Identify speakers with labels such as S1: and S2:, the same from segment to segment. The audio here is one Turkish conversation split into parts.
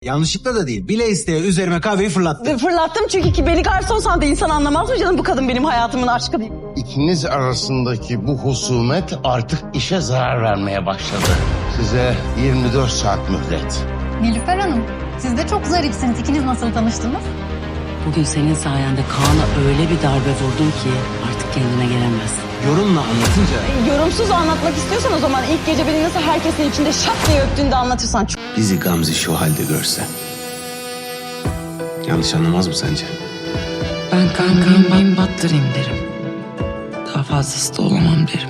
S1: Yanlışlıkla da değil. Bile isteye üzerime kahveyi fırlattı.
S2: Fırlattım çünkü ki beni garson sandı. İnsan anlamaz mı canım, bu kadın benim hayatımın aşkı değil.
S3: İkiniz arasındaki bu husumet artık işe zarar vermeye başladı. Size 24 saat mühlet.
S4: Nilüfer Hanım, siz de çok zarifsiniz. İkiniz nasıl tanıştınız?
S5: Bugün senin sayende Kaan'a öyle bir darbe vurdum ki artık kendine gelemez.
S1: Yorumla anlatınca
S2: Yorumsuz anlatmak istiyorsan o zaman ilk gece beni nasıl herkesin içinde şak diye öptüğünde anlatırsan.
S1: bizi Gamze şu halde görse. Yanlış anlamaz mı sence?
S5: Ben kankayım battırayım derim. Daha fazlası da olamam derim.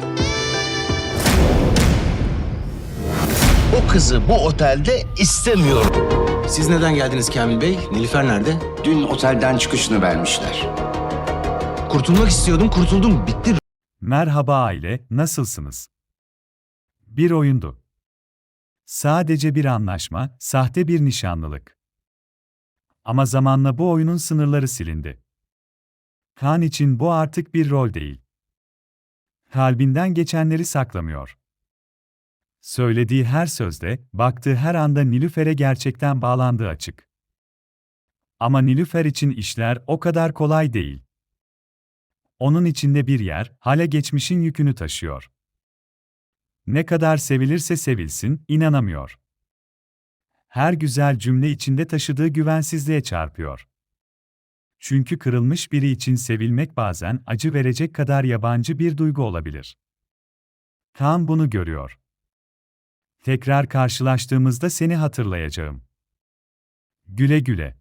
S3: O kızı bu otelde istemiyorum.
S1: Siz neden geldiniz Kamil Bey? Nilüfer nerede?
S6: Dün otelden çıkışını vermişler.
S1: Kurtulmak istiyordum, kurtuldum. Bitti.
S7: Merhaba aile, nasılsınız? Bir oyundu. Sadece bir anlaşma, sahte bir nişanlılık. Ama zamanla bu oyunun sınırları silindi. Kaan için bu artık bir rol değil. Kalbinden geçenleri saklamıyor. Söylediği her sözde, baktığı her anda Nilüfer'e gerçekten bağlandığı açık. Ama Nilüfer için işler o kadar kolay değil. Onun içinde bir yer, hala geçmişin yükünü taşıyor. Ne kadar sevilirse sevilsin, inanamıyor. Her güzel cümle içinde taşıdığı güvensizliğe çarpıyor. Çünkü kırılmış biri için sevilmek bazen acı verecek kadar yabancı bir duygu olabilir. Kaan bunu görüyor. Tekrar karşılaştığımızda seni hatırlayacağım. Güle güle.